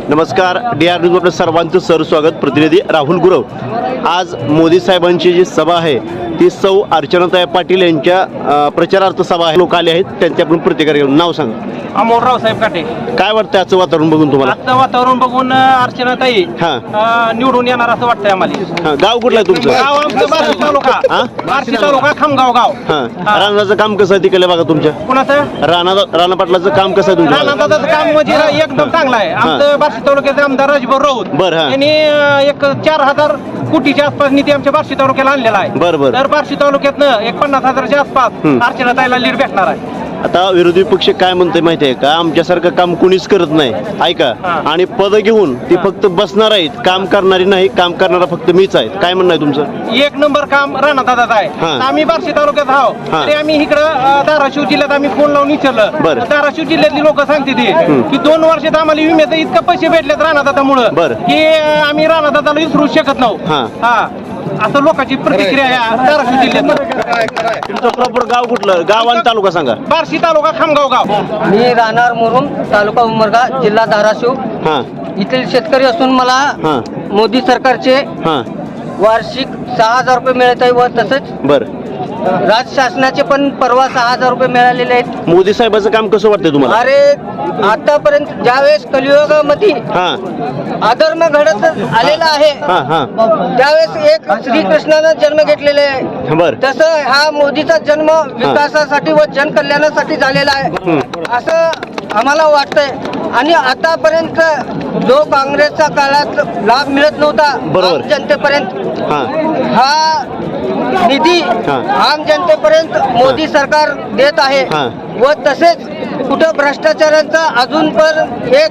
नमस्कार, DR news आपलं सर्वांचं स्वागत. प्रतिनिधी राहुल गुरव. आज मोदी साहेबांची जी सभा आहे ती सौ अर्चनाताई पाटील यांच्या प्रचारार्थ सभा आहे. लोक आले आहेत, त्यांची आपण प्रतिक्रिया घेऊन. नाव सांग. अमोल रावसाहेब काटे. काय वाटतं आजचं वातावरण बघून तुम्हाला? आजचं वातावरण बघून अर्चनाताई निवडून येणार असं वाटतंय आम्हाला. गाव कुठलं आहे तुमचं? गाव आमचं बार्शी तालुका. बार्शी तालुका खामगाव गाव. राणाचं काम कसं आहे तिकडे बघा तुमच्या? कुणाचं? राणा पाटलाचं काम कसं आहे तुमच्या? राणादादाचं काम म्हणजे एकदम चांगलं आहे. आमचं बार्शी तालुक्याचे आमदार राजभाऊ राऊत बरं. यांनी एक 4,000 कोटीच्या आसपास निधी आमच्या बार्शी तालुक्याला आणलेला आहे. बरं. तर बार्शी तालुक्यातनं एक 50,000च्या आसपास अर्चनाताईला लीड भेटणार आहे. आता विरोधी पक्ष काय म्हणते माहितीये का? आमच्यासारखं काम कुणीच करत नाही, ऐका. आणि पद घेऊन ती फक्त बसणार आहेत, काम करणारी नाही. काम करणारा फक्त मीच आहे. काय म्हणणं आहे तुमचं? एक नंबर काम राणादादाचं आहे. आम्ही बार्शी तालुक्यात आहोत, तरी आम्ही इकडं धाराशिव जिल्ह्यात आम्ही फोन लावून विचारलं. धाराशिव जिल्ह्यातली लोक सांगते की 2 वर्षात आम्हाला विम्याचं इतकं पैसे भेटलेत राणादादामुळं की आम्ही राणादादाला विसरू शकत नव्हतो. असं लोकांची प्रतिक्रिया आहे धाराशिव जिल्ह्यात. तुमचं प्रॉपर गाव कुठलं? गाव आणि तालुका सांगा. बार्शी तालुका खामगाव गाव. मी राहणार मुरुम, तालुका उमरगा, जिल्हा धाराशिव. इथले शेतकरी असून मला मोदी सरकारचे वार्षिक 6,000 रुपये मिळत आहे व तसंच बरं राज्य शासनाचे पण परवा 6,000 रुपये मिळालेले आहेत. मोदी साहेबांचं काम कसं वाटतंय तुम्हाला? अरे आतापर्यंत ज्यावेळेस कलियुगामध्ये अधर्म घडत आलेला आहे त्यावेळेस एक श्रीकृष्णानं जन्म घेतलेले आहे. तसं हा मोदीचा जन्म विकासासाठी व जनकल्याणासाठी झालेला आहे असं आम्हाला वाटतंय. आणि आतापर्यंत जो काँग्रेसच्या काळात लाभ मिळत नव्हता आम जनतेपर्यंत, हा निधी आम जनतेपर्यंत मोदी सरकार देत आहे. व तसेच कुठं भ्रष्टाचारांचा अजून पण एक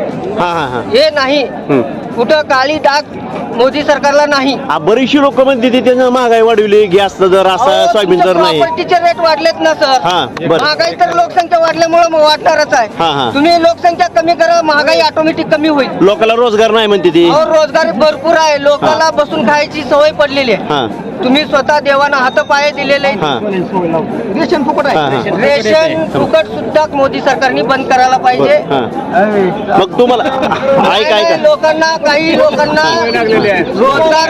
हे नाही, कुठं काळी डाग मोदी सरकारला नाही. बरीचशी लोक म्हणते त्यानं महागाई वाढवली, गॅस दर असा, सोयाबीन दर नाही. प्रॉपर्टीचे रेट वाढलेत ना सर. महागाई तर लोकसंख्या वाढल्यामुळे वाढणारच आहे. तुम्ही लोकसंख्या कमी करा, महागाई ऑटोमॅटिक कमी होईल. लोकांना रोजगार नाही म्हणते ती. रोजगार भरपूर आहे. लोकांना बसून खायची सवय पडलेली आहे. तुम्ही स्वतः देवाना हातपाय दिलेले. रेशन फुकट आहे. रेशन फुकट सुद्धा मोदी सरकारने बंद करायला पाहिजे. मग तुम्हाला ऐका लोकांना काही लोकांना रोजगार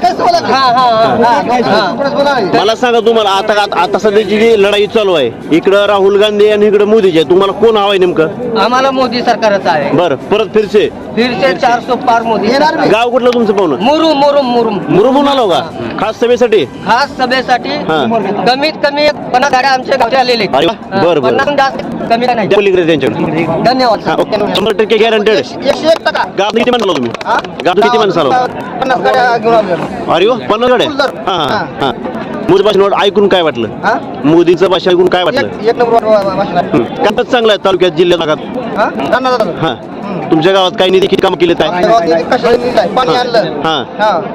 मला सांगा, तुम्हाला आता सध्याची जी लढाई चालू आहे, इकडं राहुल गांधी आणि इकडं मोदीजी आहे, तुम्हाला कोण हवाय नेमकं? आम्हाला मोदी सरकारच आहे. बरं, परत फिरसे 400 पार मोदी. गाव कुठलं तुमचं पाहुणं? मुरुम आलो का? खास सभेसाठी? खास सभेसाठी कमीत कमी 50 गाड्या आमच्या गावच्या आलेले. बरं कमी नाही. त्यांच्याकडे धन्यवाद. 100% गॅरंटेड. गाव किती माणसं आलो तुम्ही? गाव किती माणसं आलो? 50 गाड्या घेऊन आलो. अरे वा, 50 गाड्या. मोदी भाषण ऐकून काय वाटलं? मोदीचं भाषण ऐकून काय वाटलं? एक नंबर भाषण आहे. कामच चांगलं आहे तालुक्यात, जिल्ह्यात, भागात. तुमच्या गावात काही निधी किती काम केले? पाणी आणलं.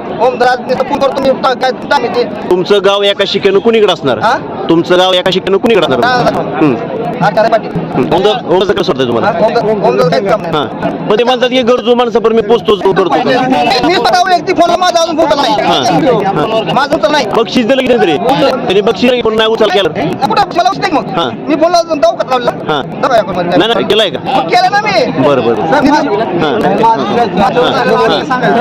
तुमचं गाव एका शिक्क्यानं कुणीकडे असणार? तुमचं गाव एका शिक्क्यानं कुणीकडे असणार? कसं वाटतंय तुम्हाला? पण ते म्हणतात की गरजू माणसं पण मी पोचतोच करतो. बक्षीस दिलं की तरी त्यांनी बक्षीस पण नाही उचल केलं. मी फोन लावून नाही केलाय का? केलं ना मी. बरं